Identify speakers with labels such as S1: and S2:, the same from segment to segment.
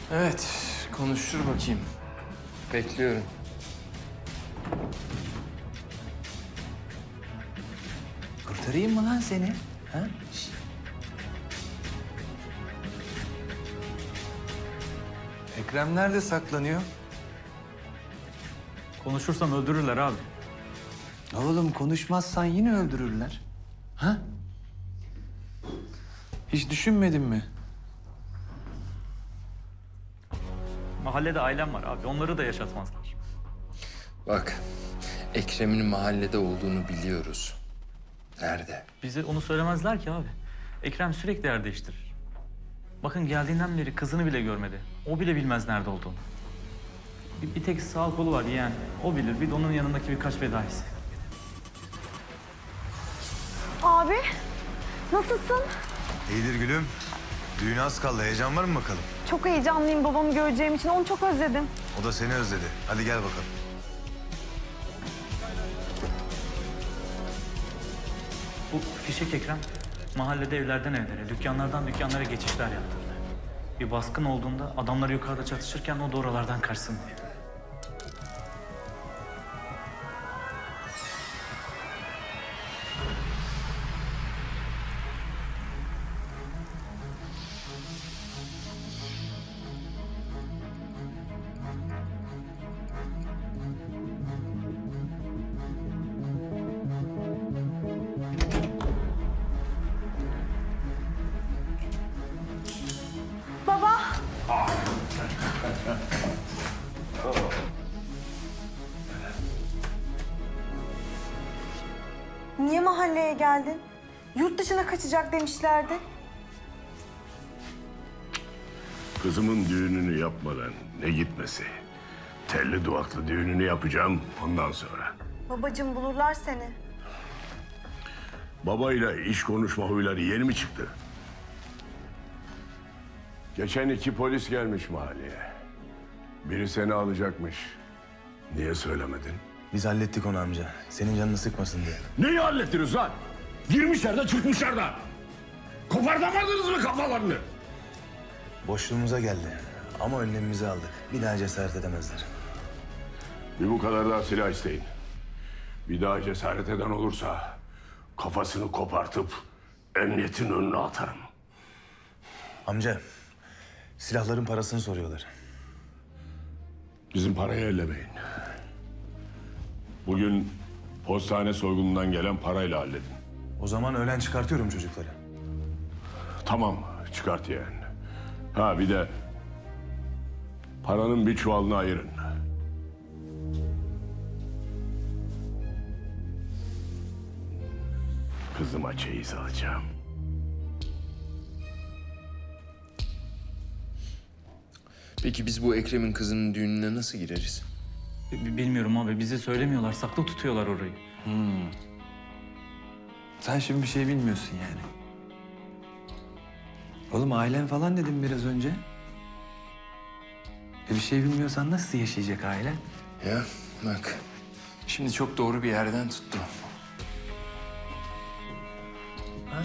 S1: Evet, konuştur bakayım. Bekliyorum.
S2: Kurtarayım mı lan seni? Ha? Şişt. Ekrem nerede saklanıyor?
S3: Konuşursam öldürürler abi.
S2: Oğlum konuşmazsan yine öldürürler. Ha? Hiç düşünmedin mi?
S3: Mahallede ailem var abi. Onları da yaşatmazlar.
S1: Bak, Ekrem'in mahallede olduğunu biliyoruz. Nerede?
S3: Bize onu söylemezler ki abi. Ekrem sürekli yer değiştirir. Bakın geldiğinden beri kızını bile görmedi. O bile bilmez nerede olduğunu. Bir tek sağ kolu var yani. O bilir. Bir de onun yanındaki birkaç fedaisi.
S4: Abi, nasılsın?
S5: İyidir gülüm. Düğüne az kaldı. Heyecan var mı bakalım?
S4: Çok heyecanlıyım babamı göreceğim için. Onu çok özledim.
S5: O da seni özledi. Hadi gel bakalım.
S3: Bu fişek Ekrem mahallede evlerden evlere, dükkanlardan dükkanlara geçişler yaptırdı. Bir baskın olduğunda adamlar yukarıda çatışırken o da oralardan kaçsın diye.
S4: Baba. Niye mahalleye geldin? Yurt dışına kaçacak demişlerdi.
S6: Kızımın düğününü yapmadan ne gitmesi? Telli duvaklı düğününü yapacağım ondan sonra.
S4: Babacığım bulurlar seni.
S6: Babayla iş konuşma huyları yeni mi çıktı? Geçen 2 polis gelmiş mahalleye. Biri seni alacakmış. Niye söylemedin?
S5: Biz hallettik onu amca. Senin canını sıkmasın diye.
S6: Neyi hallettiniz lan? Girmişler de çıkmışlar da. Kopartamadınız mı kafalarını?
S5: Boşluğumuza geldi. Ama önlemimizi aldık. Bir daha cesaret edemezler.
S6: Bir bu kadar daha silah isteyin. Bir daha cesaret eden olursa kafasını kopartıp emniyetin önüne atarım.
S5: Amca, silahların parasını soruyorlar.
S6: Bizim parayı ellemeyin. Bugün postane soygunundan gelen parayla halledin.
S5: O zaman öğlen çıkartıyorum çocukları.
S6: Tamam, çıkart yeğen. Ha bir de paranın bir çuvalını ayırın. Kızıma çeyiz alacağım.
S1: Peki biz bu Ekrem'in kızının düğününe nasıl gireriz?
S3: Bilmiyorum abi. Bize söylemiyorlar. Saklı tutuyorlar orayı.
S2: Sen şimdi bir şey bilmiyorsun yani. Oğlum ailen falan dedim biraz önce. Bir şey bilmiyorsan nasıl yaşayacak ailen?
S1: Ya bak, şimdi çok doğru bir yerden tuttu.
S2: Ha?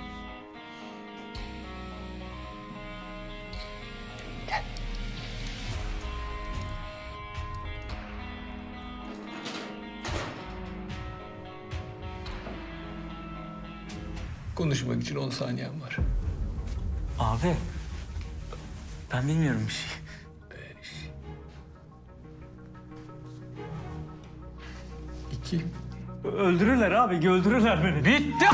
S1: Konuşmak için 10 saniyen var.
S3: Abi. Ben bilmiyorum bir şey.
S1: 2.
S3: Öldürürler abi. Öldürürler beni.
S1: Bitti.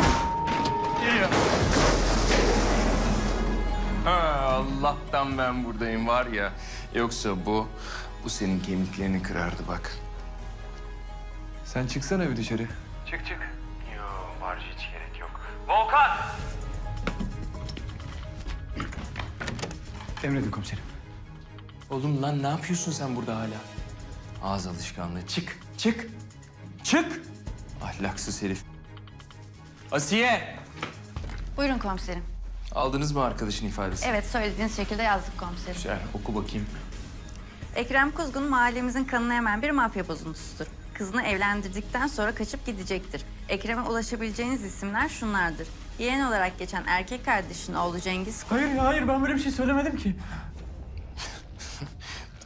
S1: Ha, Allah'tan ben buradayım var ya. Yoksa bu senin kemiklerini kırardı bak.
S2: Sen çıksana bir dışarı.
S3: Çık çık. Yok var hiç gerek yok. Volkan!
S2: Emredin komiserim.
S1: Oğlum lan ne yapıyorsun sen burada hala? Ağız alışkanlığı. Çık, çık, çık. Ahlaksız herif. Asiye!
S7: Buyurun komiserim.
S1: Aldınız mı arkadaşın ifadesi?
S7: Evet, söylediğiniz şekilde yazdık komiserim.
S1: Güzel, oku bakayım.
S7: Ekrem Kuzgun mahallemizin kanını emen bir mafya bozuntusudur. Kızını evlendirdikten sonra kaçıp gidecektir. Ekrem'e ulaşabileceğiniz isimler şunlardır. Yeğen olarak geçen erkek kardeşinin oğlu Cengiz...
S3: Hayır ben böyle bir şey söylemedim ki.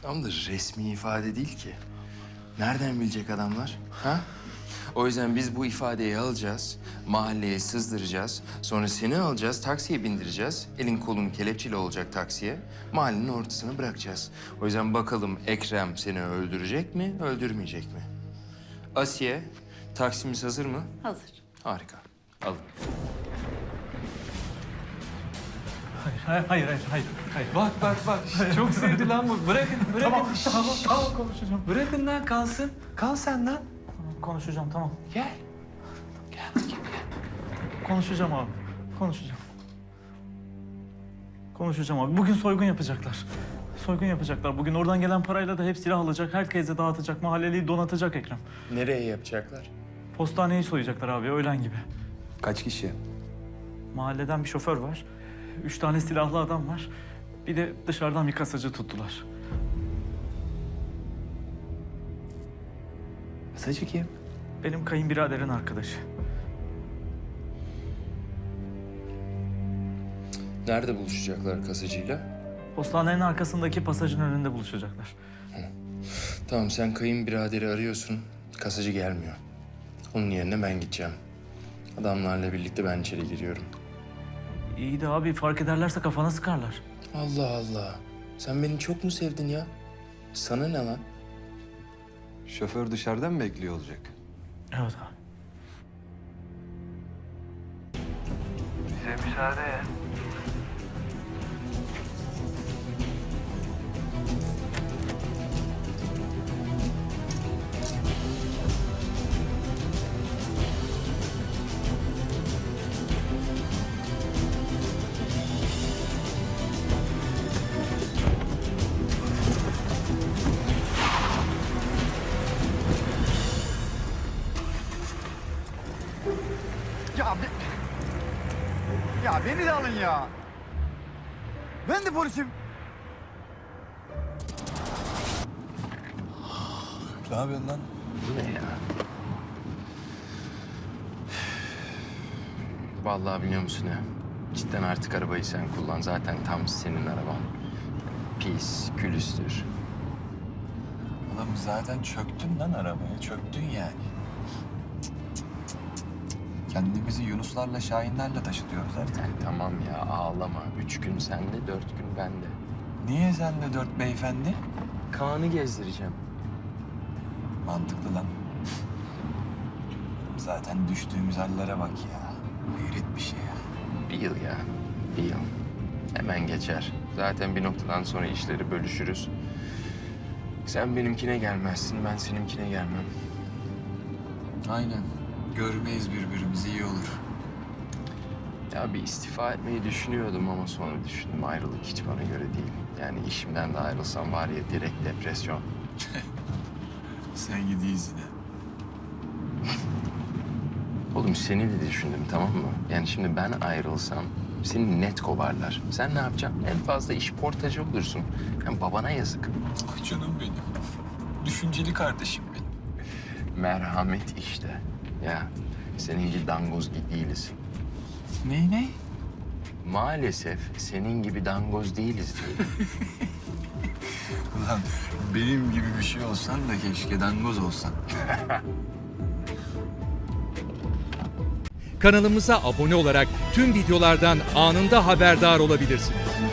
S1: Tam da resmi ifade değil ki. Nereden bilecek adamlar? Ha? O yüzden biz bu ifadeyi alacağız, mahalleye sızdıracağız. Sonra seni alacağız, taksiye bindireceğiz. Elin kolun kelepçeli olacak taksiye. Mahallenin ortasına bırakacağız. O yüzden bakalım Ekrem seni öldürecek mi, öldürmeyecek mi? Asiye, taksimiz hazır mı?
S7: Hazır.
S1: Harika. Alın.
S3: Hayır.
S2: Bak. Çok sevdi lan bu. Bırakın. Tamam konuşacağım. Bırakın lan kalsın. Kal sen lan.
S3: Konuşacağım, tamam.
S2: Gel.
S3: Konuşacağım abi. Konuşacağım abi. Bugün soygun yapacaklar. Bugün oradan gelen parayla da hep silah alacak, herkese dağıtacak, mahalleliyi donatacak Ekrem.
S1: Nereye yapacaklar?
S3: Postaneyi soyacaklar abi, öğlen gibi.
S2: Kaç kişi?
S3: Mahalleden bir şoför var. 3 tane silahlı adam var. Bir de dışarıdan bir kasacı tuttular.
S2: Kasacı kim?
S3: Benim kayınbiraderin arkadaşı.
S1: Nerede buluşacaklar kasacıyla?
S3: Postanenin arkasındaki pasajın önünde buluşacaklar.
S1: Tamam, sen kayınbiraderi arıyorsun. Kasacı gelmiyor. Onun yerine ben gideceğim. Adamlarla birlikte ben içeri giriyorum.
S3: İyi de abi, fark ederlerse kafana sıkarlar.
S1: Allah Allah. Sen beni çok mu sevdin ya? Sana ne lan?
S2: Şoför dışarıdan mı bekliyor olacak?
S3: Evet abi.
S2: Bize müsaade.
S8: Ya beni de alın ya. Ben de polisim.
S5: Ne yapıyorsun lan?
S1: Bu ne ya? Vallahi biliyor musun ya? Cidden artık arabayı sen kullan. Zaten tam senin araban. Pis, külüstür.
S5: Oğlum zaten çöktün lan arabaya. Çöktün yani. Kendimizi Yunuslarla, Şahinlerle taşıtıyoruz artık.
S1: Tamam ya, ağlama. 3 gün sende, 4 gün bende.
S5: Niye sen de 4 beyefendi?
S1: Kaan'ı gezdireceğim.
S5: Mantıklı lan. Zaten düştüğümüz hallere bak ya. Hayret bir şey ya.
S1: Bir yıl ya, bir yıl. Hemen geçer. Zaten bir noktadan sonra işleri bölüşürüz. Sen benimkine gelmezsin, ben seninkine gelmem.
S5: Aynen. Görmeyiz birbirimizi, iyi olur.
S1: Ya bir istifa etmeyi düşünüyordum ama sonra düşündüm ayrılık hiç bana göre değil. Yani işimden de ayrılsam var ya direkt depresyon.
S5: Sen gidiyiz yine.
S1: Oğlum seni de düşündüm, tamam mı? Yani şimdi ben ayrılsam seni net kovarlar. Sen ne yapacaksın? En fazla iş portacı olursun. Yani babana yazık.
S5: Ah canım benim. Düşünceli kardeşim benim.
S1: Merhamet işte. Ya senin gibi dangoz değiliz.
S5: Ne?
S1: Maalesef senin gibi dangoz değiliz diyelim.
S5: Ulan benim gibi bir şey olsan da keşke dangoz olsan.
S9: Kanalımıza abone olarak tüm videolardan anında haberdar olabilirsiniz.